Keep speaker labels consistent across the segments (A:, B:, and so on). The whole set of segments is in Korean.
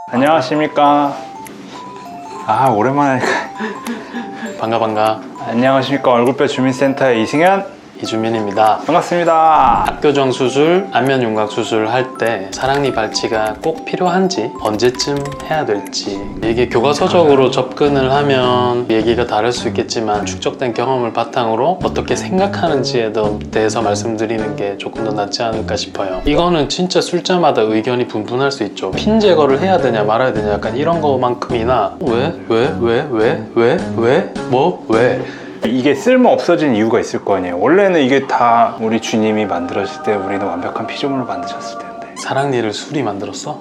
A: 안녕하십니까. 아, 오랜만에.
B: 반가.
A: 안녕하십니까. 얼굴뼈 주민센터의 이승현
B: 이주민입니다.
A: 반갑습니다.
B: 박교정 수술, 안면 윤곽 수술을 할 때 사랑니 발치가 꼭 필요한지, 언제쯤 해야 될지, 이게 교과서적으로 접근을 하면 얘기가 다를 수 있겠지만 축적된 경험을 바탕으로 어떻게 생각하는지에 대해서 말씀드리는 게 조금 더 낫지 않을까 싶어요. 이거는 진짜 술자마다 의견이 분분할 수 있죠. 핀 제거를 해야 되냐 말아야 되냐 약간 이런 거만큼이나 왜?
A: 이게 쓸모 없어진 이유가 있을 거 아니에요. 원래는 이게 다 우리 주님이 만들었을 때 우리는 완벽한 피조물을 만드셨을 텐데.
B: 사랑니를 술이 만들었어?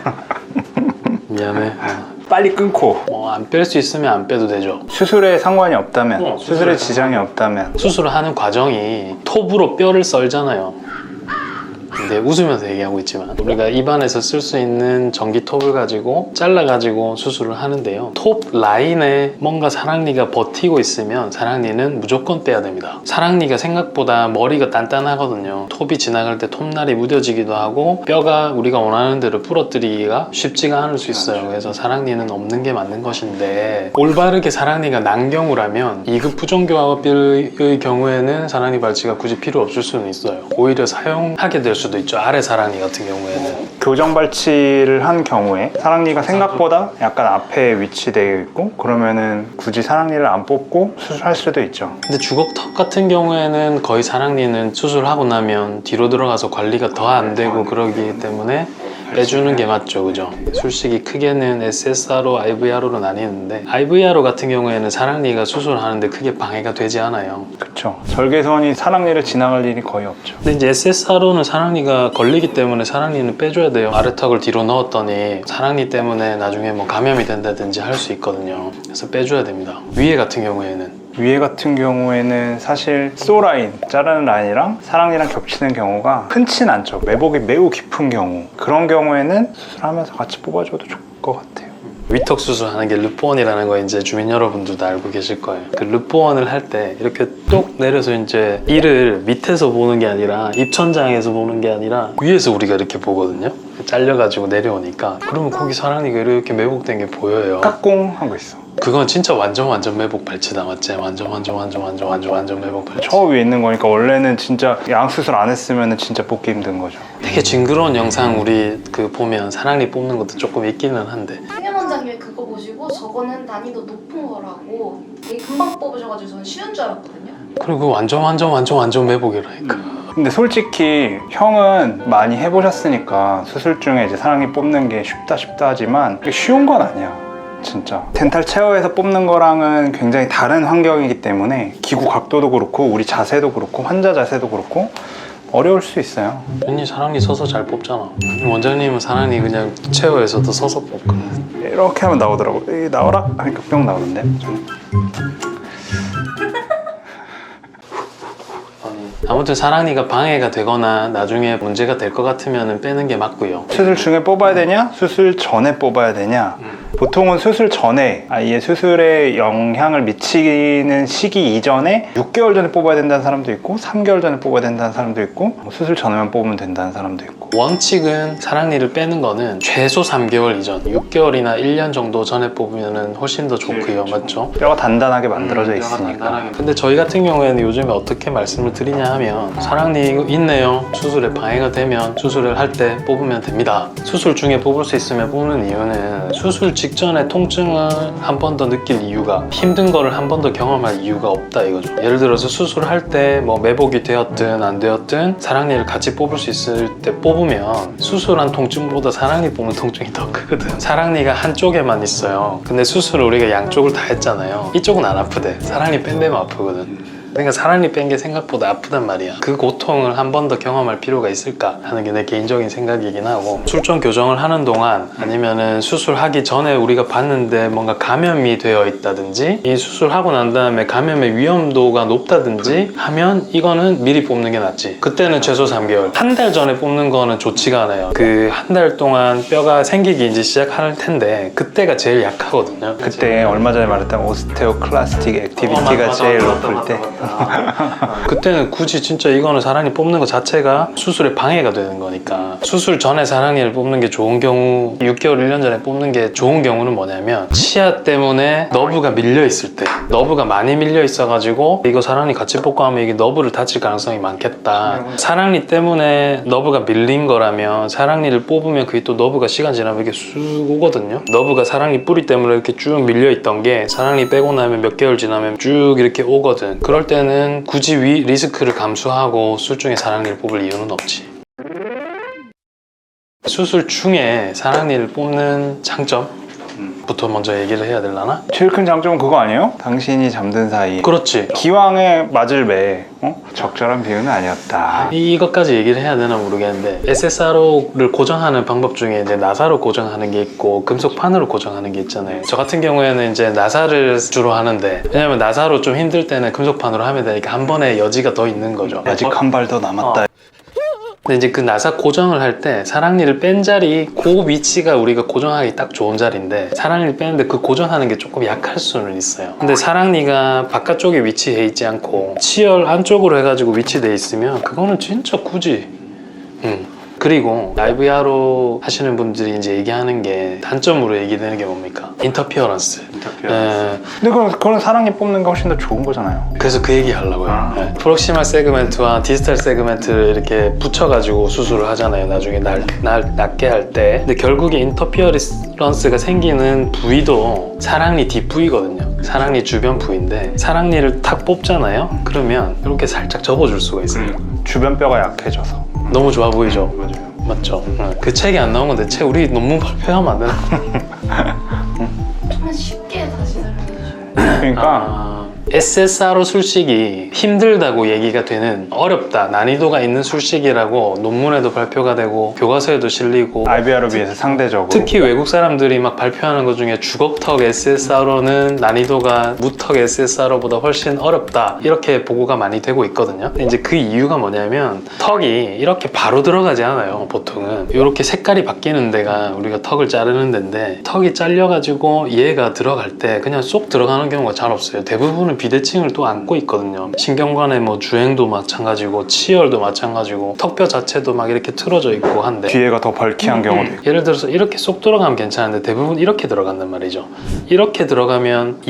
B: 미안해.
A: 빨리 끊고
B: 뭐 안 뺄 수 있으면 안 빼도 되죠.
A: 수술에 상관이 없다면, 수술에
B: 수술에
A: 지장이 없다면.
B: 수술을 하는 과정이 톱으로 뼈를 썰잖아요. 근데 웃으면서 얘기하고 있지만 우리가 입안에서 쓸 수 있는 전기 톱을 가지고 잘라가지고 수술을 하는데요. 톱 라인에 뭔가 사랑니가 버티고 있으면 사랑니는 무조건 빼야 됩니다. 사랑니가 생각보다 머리가 단단하거든요. 톱이 지나갈 때 톱날이 무뎌지기도 하고 뼈가 우리가 원하는 대로 부러뜨리기가 쉽지가 않을 수 있어요. 그래서 사랑니는 없는 게 맞는 것인데, 올바르게 사랑니가 난 경우라면 2급 부정교합의 경우에는 사랑니 발치가 굳이 필요 없을 수는 있어요. 오히려 사용하게 될 수도 있죠. 아래 사랑니 같은 경우에는.
A: 교정 발치를 한 경우에 사랑니가 생각보다 약간 앞에 위치되어 있고, 그러면은 굳이 사랑니를 안 뽑고 수술할 수도 있죠.
B: 근데 주걱턱 같은 경우에는 거의 사랑니는 수술하고 나면 뒤로 들어가서 관리가 더 안 되고 그러기 때문에 빼주는 게 맞죠, 그죠? 술식이 크게는 SSRO, IVRO로 나뉘는데, IVRO 같은 경우에는 사랑니가 수술하는데 크게 방해가 되지 않아요.
A: 그쵸. 절개선이 사랑니를 지나갈 일이 거의 없죠.
B: 근데 이제 SSRO는 사랑니가 걸리기 때문에 사랑니는 빼줘야 돼요. 아래턱을 뒤로 넣었더니 사랑니 때문에 나중에 뭐 감염이 된다든지 할 수 있거든요. 그래서 빼줘야 됩니다. 위에 같은 경우에는
A: 위에 같은 경우에는 사실 쏘라인, 자르는 라인이랑 사랑니랑 겹치는 경우가 흔치는 않죠. 매복이 매우 깊은 경우, 그런 경우에는 수술하면서 같이 뽑아줘도 좋을 것 같아요.
B: 위턱 수술하는 게 르포원이라는 거 이제 주민 여러분들도 알고 계실 거예요. 그 르포원을 할 때 이렇게 뚝 내려서 이제 이를 밑에서 보는 게 아니라, 입천장에서 보는 게 아니라 위에서 우리가 이렇게 보거든요. 잘려가지고 내려오니까, 그러면 거기 사랑니가 이렇게 매복된 게 보여요.
A: 깍공 하고 있어.
B: 그건 진짜 완전 매복 발치다, 맞지? 완전 매복 발치.
A: 저 위에 있는 거니까 원래는 진짜 양수술 안 했으면 진짜 뽑기 힘든 거죠.
B: 되게 징그러운 영상 우리 그 보면 사랑니 뽑는 것도 조금 있기는 한데,
C: 승현 원장님이 그거 보시고 저거는 난이도 높은 거라고 되게 금방 뽑으셔가지고 저는 쉬운 줄 알았거든요.
B: 그리고 완전 매복이라니까.
A: 근데 솔직히 형은 많이 해보셨으니까 수술 중에 이제 사랑니 뽑는 게 쉽다 하지만 그게 쉬운 건 아니야. 진짜 덴탈 체어에서 뽑는 거랑은 굉장히 다른 환경이기 때문에 기구 각도도 그렇고 우리 자세도 그렇고 환자 자세도 그렇고 어려울 수 있어요.
B: 언니 사랑니 서서 잘 뽑잖아. 원장님은 사랑니 그냥 체어에서도 서서 뽑거든.
A: 이렇게 하면 나오더라고. 이 나와라 하니까 뿅 나오는데.
B: 아무튼 사랑니가 방해가 되거나 나중에 문제가 될 것 같으면 빼는 게 맞고요.
A: 수술 중에 뽑아야 되냐? 수술 전에 뽑아야 되냐? 보통은 수술 전에, 아예 수술에 영향을 미치는 시기 이전에 6개월 전에 뽑아야 된다는 사람도 있고 3개월 전에 뽑아야 된다는 사람도 있고 수술 전에만 뽑으면 된다는 사람도 있고.
B: 원칙은 사랑니를 빼는 거는 최소 3개월 이전, 6개월이나 1년 정도 전에 뽑으면 훨씬 더 좋고요. 맞죠?
A: 뼈가 단단하게 만들어져 있으니까.
B: 근데 저희 같은 경우에는 요즘에 어떻게 말씀을 드리냐 하면, 사랑니 이거 있네요, 수술에 방해가 되면 수술을 할 때 뽑으면 됩니다. 수술 중에 뽑을 수 있으면 뽑는 이유는 수술 직전에 통증을 한 번 더 느낄 이유가, 힘든 거를 한 번 더 경험할 이유가 없다 이거죠. 예를 들어서 수술할 때 뭐 매복이 되었든 안 되었든 사랑니를 같이 뽑을 수 있을 때 뽑으면 수술한 통증보다 사랑니 뽑는 통증이 더 크거든. 사랑니가 한쪽에만 있어요. 근데 수술을 우리가 양쪽을 다 했잖아요. 이쪽은 안 아프대. 사랑니 뺀 데만 아프거든. 그러니까 사랑니 뺀 게 생각보다 아프단 말이야. 그 고통을 한 번 더 경험할 필요가 있을까 하는 게 내 개인적인 생각이긴 하고, 출전 교정을 하는 동안 아니면은 수술하기 전에 우리가 봤는데 뭔가 감염이 되어 있다든지, 이 수술하고 난 다음에 감염의 위험도가 높다든지 하면 이거는 미리 뽑는 게 낫지. 그때는 최소 3개월. 한 달 전에 뽑는 거는 좋지가 않아요. 그 한 달 동안 뼈가 생기기 이제 시작할 텐데 그때가 제일 약하거든요.
A: 그때 얼마 전에 말했던 오스테오클라스틱 액티비티가 제일 높을 때
C: 거니까.
B: 그때는 굳이 진짜 이거는 사랑니 뽑는 것 자체가 수술에 방해가 되는 거니까 수술 전에 사랑니를 뽑는 게 좋은 경우 6개월, 1년 전에 뽑는 게 좋은 경우는 뭐냐면 치아 때문에 너브가 밀려 있을 때 너브가 많이 밀려 있어가지고 이거 사랑니 같이 뽑고 하면 이게 너브를 다칠 가능성이 많겠다. 사랑니 때문에 너브가 밀린 거라면 사랑니를 뽑으면 그게 또 너브가 시간 지나면 이렇게 쑥 오거든요. 너브가 사랑니 뿌리 때문에 이렇게 쭉 밀려 있던 게 사랑니 빼고 나면 몇 개월 지나면 쭉 이렇게 오거든. 그럴 때는 굳이 리스크를 감수하고 수술 중에 사랑니를 뽑을 이유는 없지. 수술 중에 사랑니를 뽑는 장점부터 먼저 얘기를 해야 되려나?
A: 제일 큰 장점은 그거 아니에요? 당신이 잠든 사이
B: 그렇지.
A: 기왕에 맞을 매 적절한 비유는 아니었다.
B: 이것까지 얘기를 해야 되나 모르겠는데 SSRO를 고정하는 방법 중에 이제 나사로 고정하는 게 있고 금속판으로 고정하는 게 있잖아요. 저 같은 경우에는 이제 나사를 주로 하는데 왜냐면 나사로 좀 힘들 때는 금속판으로 하면 되니까 한 번에 여지가 더 있는 거죠.
A: 아직 한 발 더 남았다.
B: 근데 이제 그 나사 고정을 할 때 사랑니를 뺀 자리 그 위치가 우리가 고정하기 딱 좋은 자리인데 사랑니를 빼는데 그 고정하는 게 조금 약할 수는 있어요. 근데 사랑니가 바깥쪽에 위치해 있지 않고 치열 안쪽으로 해가지고 위치돼 있으면 그거는 진짜 굳이 그리고 IVR로 하시는 분들이 이제 얘기하는 게 단점으로 얘기되는 게 뭡니까? 인터피어런스.
A: 근데 그건 사랑니 뽑는 게 훨씬 더 좋은 거잖아요.
B: 그래서 그 얘기 하려고요. 네. 프록시말 세그멘트와 디스탈 세그멘트를 이렇게 붙여가지고 수술을 하잖아요. 나중에 낫게 할 때. 근데 결국에 인터피어런스가 생기는 부위도 사랑니 뒷부위거든요. 사랑니 주변 부위인데 사랑니를 탁 뽑잖아요. 그러면 이렇게 살짝 접어줄 수가 있어요.
A: 주변 뼈가 약해져서.
B: 너무 좋아 보이죠?
A: 맞아요.
B: 맞죠? 그 책이 안 나온 건데 우리 논문 발표하면 안 되나?
C: 좀만 쉽게 다시 설명해 주시면.
A: 그러니까
B: SSRO 술식이 힘들다고 얘기가 되는 어렵다, 난이도가 있는 술식이라고 논문에도 발표가 되고 교과서에도 실리고
A: IVR에 비해서 상대적으로
B: 특히 외국 사람들이 막 발표하는 것 중에 주걱턱 SSRO는 난이도가 무턱 SSRO보다 훨씬 어렵다 이렇게 보고가 많이 되고 있거든요. 근데 이제 그 이유가 뭐냐면 턱이 이렇게 바로 들어가지 않아요. 보통은 이렇게 색깔이 바뀌는 데가 우리가 턱을 자르는 데인데 턱이 잘려가지고 얘가 들어갈 때 그냥 쏙 들어가는 경우가 잘 없어요. 대부분은 비대칭을 또 안고 있거든요. 신경관의 뭐 주행도 마찬가지고 치열도 마찬가지고 턱뼈 자체도 막 이렇게 틀어져 있고 한데
A: 뒤에가 더 벌키한 경우도 있고.
B: 예를 들어서 이렇게 쏙 들어가면 괜찮은데 대부분 이렇게 들어간단 말이죠. 이렇게 들어가면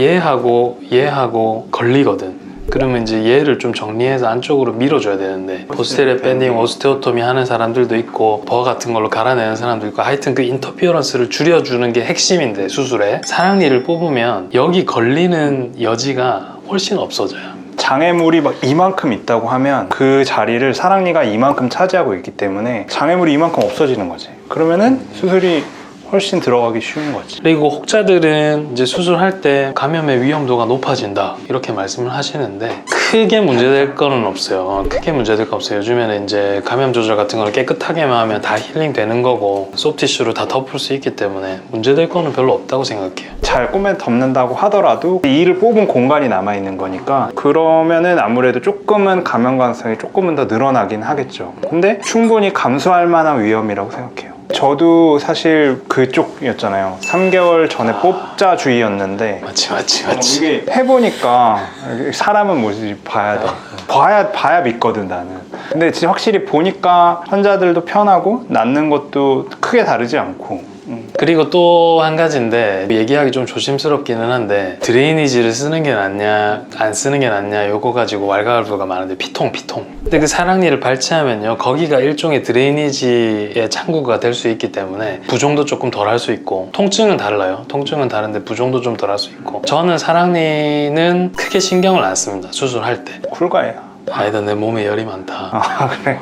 B: 얘하고 걸리거든. 그러면 이제 얘를 좀 정리해서 안쪽으로 밀어줘야 되는데 포스테리어 밴딩, 오스테오토미 하는 사람들도 있고 버거 같은 걸로 갈아내는 사람도 있고 하여튼 그 인터피어런스를 줄여주는 게 핵심인데 수술에 사랑니를 뽑으면 여기 걸리는 여지가 훨씬 없어져요.
A: 장애물이 막 이만큼 있다고 하면 그 자리를 사랑니가 이만큼 차지하고 있기 때문에 장애물이 이만큼 없어지는 거지. 그러면은 수술이 훨씬 들어가기 쉬운 거지.
B: 그리고 혹자들은 이제 수술할 때 감염의 위험도가 높아진다 이렇게 말씀을 하시는데 크게 문제될 거는 없어요. 크게 문제될 거 없어요. 요즘에는 이제 감염 조절 같은 걸 깨끗하게만 하면 다 힐링 되는 거고 소프티슈로 다 덮을 수 있기 때문에 문제될 거는 별로 없다고 생각해요.
A: 잘 꾸며 덮는다고 하더라도 이를 뽑은 공간이 남아있는 거니까 그러면은 아무래도 조금은 감염 가능성이 조금은 더 늘어나긴 하겠죠. 근데 충분히 감수할 만한 위험이라고 생각해요. 저도 사실 그쪽이었잖아요. 3개월 전에 뽑자주의였는데
B: 맞지.
A: 이게 해보니까 사람은 뭐지 봐야 돼. 봐야 믿거든 나는. 근데 진짜 확실히 보니까 환자들도 편하고 낫는 것도 크게 다르지 않고.
B: 그리고 또 한 가지인데 얘기하기 좀 조심스럽기는 한데 드레이니지를 쓰는 게 낫냐 안 쓰는 게 낫냐 요거 가지고 왈가왈부가 많은데 피통 근데 그 사랑니를 발치하면요 거기가 일종의 드레이니지의 창구가 될 수 있기 때문에 부종도 조금 덜 할 수 있고 통증은 달라요. 통증은 다른데 부종도 좀 덜 할 수 있고 저는 사랑니는 크게 신경을 안 씁니다. 수술할 때.
A: 쿨가예요.
B: 아니다 내 몸에 열이 많다.
A: 아 그래.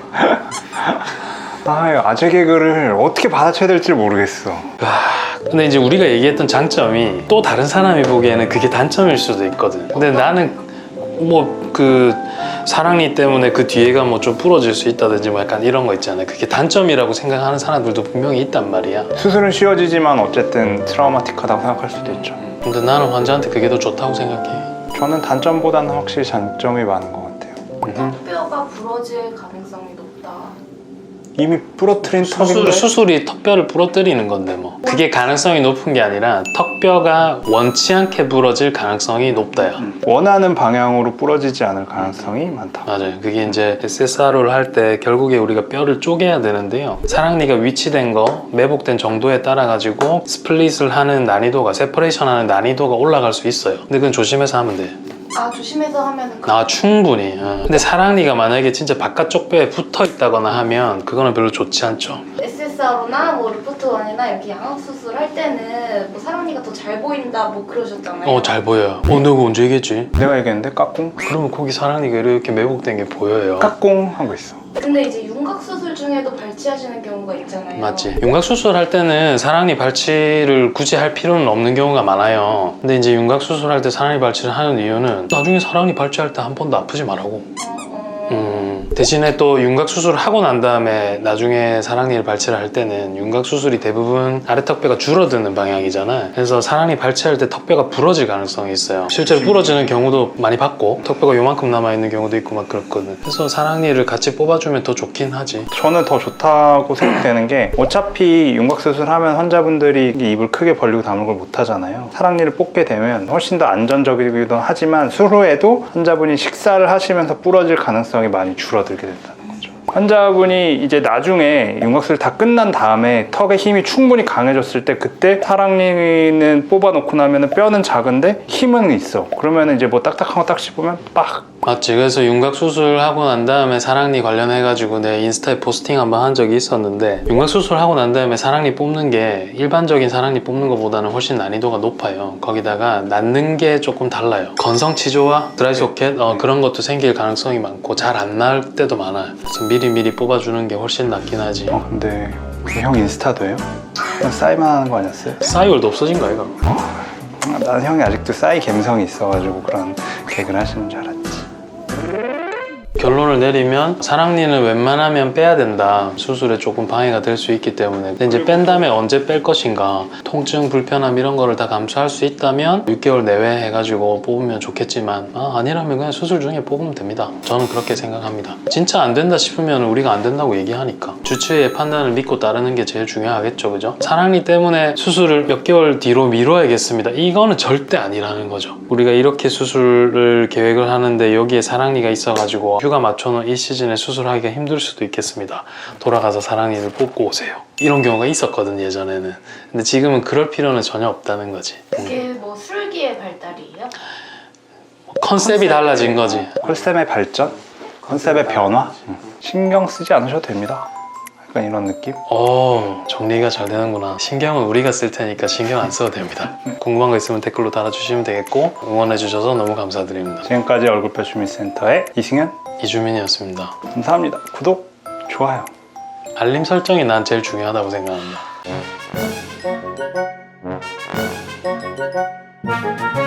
A: 아재 개그를 어떻게 받아쳐야 될지 모르겠어.
B: 근데 이제 우리가 얘기했던 장점이 또 다른 사람이 보기에는 그게 단점일 수도 있거든. 근데 나는 뭐 그 사랑니 때문에 그 뒤에가 뭐 좀 부러질 수 있다든지 뭐 약간 이런 거 있잖아요. 그게 단점이라고 생각하는 사람들도 분명히 있단 말이야.
A: 수술은 쉬워지지만 어쨌든 트라우마틱하다고 생각할 수도 있죠.
B: 근데 나는 환자한테 그게 더 좋다고 생각해.
A: 저는 단점보다는 확실히 장점이 많은 것 같아요.
C: 뼈가 부러질 가능성이 높다.
A: 이미 부러뜨린 턱인데
B: 수술이 턱뼈를 부러뜨리는 건데 뭐 그게 가능성이 높은 게 아니라 턱뼈가 원치 않게 부러질 가능성이 높다요.
A: 원하는 방향으로 부러지지 않을 가능성이 많다.
B: 맞아요. 그게 이제 SSRO를 할 때 결국에 우리가 뼈를 쪼개야 되는데요. 사랑니가 위치된 거, 매복된 정도에 따라 가지고 스플릿을 하는 난이도가, 세퍼레이션 하는 난이도가 올라갈 수 있어요. 근데 그건 조심해서 하면 돼요.
C: 아 조심해서 하면은
B: 충분히. 근데 사랑니가 만약에 진짜 바깥쪽 뼈에 붙어 있다거나 하면 그거는 별로 좋지 않죠.
C: SSRO나 뭐 리포트원이나 이렇게 양악 수술할 때는 뭐 사랑니가 더 잘 보인다 뭐 그러셨잖아요.
B: 잘 보여요. 내가 언제 얘기했지?
A: 내가 얘기했는데 까꿍?
B: 그러면 거기 사랑니가 이렇게 매복된 게 보여요.
A: 까꿍 하고 있어.
C: 근데 이제 윤곽 수술 중에도 발치하시는 경우가 있잖아요.
B: 맞지. 윤곽 수술할 때는 사랑니 발치를 굳이 할 필요는 없는 경우가 많아요. 근데 이제 윤곽 수술할 때 사랑니 발치를 하는 이유는 나중에 사랑니 발치할 때 한 번도 아프지 말라고. 대신에 또 윤곽 수술을 하고 난 다음에 나중에 사랑니를 발치를 할 때는 윤곽 수술이 대부분 아래 턱뼈가 줄어드는 방향이잖아. 그래서 사랑니 발치할 때 턱뼈가 부러질 가능성이 있어요. 실제로 부러지는 경우도 많이 봤고 턱뼈가 요만큼 남아있는 경우도 있고 막 그렇거든. 그래서 사랑니를 같이 뽑아주면 더 좋긴 하지.
A: 저는 더 좋다고 생각되는 게 어차피 윤곽수술하면 환자분들이 입을 크게 벌리고 다물고 못 하잖아요. 사랑니를 뽑게 되면 훨씬 더 안전적이기도 하지만 수후에도 환자분이 식사를 하시면서 부러질 가능성이 많이 줄어들게 된다는 거죠. 환자분이 이제 나중에 윤곽수술 다 끝난 다음에 턱의 힘이 충분히 강해졌을 때 그때 사랑니는 뽑아놓고 나면 뼈는 작은데 힘은 있어. 그러면 이제 뭐 딱딱한 거 딱 씹으면 빡!
B: 맞지. 그래서 윤곽 수술하고 난 다음에 사랑니 관련해가지고 내 인스타에 포스팅 한번 한 적이 있었는데 윤곽 수술하고 난 다음에 사랑니 뽑는 게 일반적인 사랑니 뽑는 것보다는 훨씬 난이도가 높아요. 거기다가 낫는 게 조금 달라요. 건성치조와 드라이소켓 그런 것도 생길 가능성이 많고 잘 안 나을 때도 많아요. 그래서 미리 뽑아주는 게 훨씬 낫긴 하지.
A: 근데 형 인스타도 해요? 그냥 싸이만 하는 거 아니었어요?
B: 싸이월도 없어진 거야 이거.
A: 난 형이 아직도 싸이 감성이 있어가지고 그런 개그를 하시는 줄 알았지.
B: 결론을 내리면 사랑니는 웬만하면 빼야 된다. 수술에 조금 방해가 될 수 있기 때문에. 근데 이제 뺀 다음에 언제 뺄 것인가, 통증, 불편함 이런 거를 다 감수할 수 있다면 6개월 내외 해가지고 뽑으면 좋겠지만 아니라면 그냥 수술 중에 뽑으면 됩니다. 저는 그렇게 생각합니다. 진짜 안 된다 싶으면 우리가 안 된다고 얘기하니까 주치의의 판단을 믿고 따르는 게 제일 중요하겠죠, 그죠? 사랑니 때문에 수술을 몇 개월 뒤로 미뤄야겠습니다. 이거는 절대 아니라는 거죠. 우리가 이렇게 수술을 계획을 하는데 여기에 사랑니가 있어가지고 휴가 맞춰놓은 이 시즌에 수술하기가 힘들 수도 있겠습니다. 돌아가서 사랑니를 뽑고 오세요. 이런 경우가 있었거든 예전에는. 근데 지금은 그럴 필요는 전혀 없다는 거지.
C: 그게 뭐 술기의 발달이에요?
B: 컨셉이 달라진 거지.
A: 컨셉의 발전? 컨셉의 변화? 신경 쓰지 않으셔도 됩니다. 약간 이런 느낌?
B: 정리가 잘 되는구나. 신경은 우리가 쓸 테니까 신경 안 써도 됩니다. 궁금한 거 있으면 댓글로 달아주시면 되겠고 응원해 주셔서 너무 감사드립니다.
A: 지금까지 얼굴뼈 주민센터의 이승현
B: 이주민이었습니다.
A: 감사합니다. 구독, 좋아요.
B: 알림 설정이 난 제일 중요하다고 생각합니다.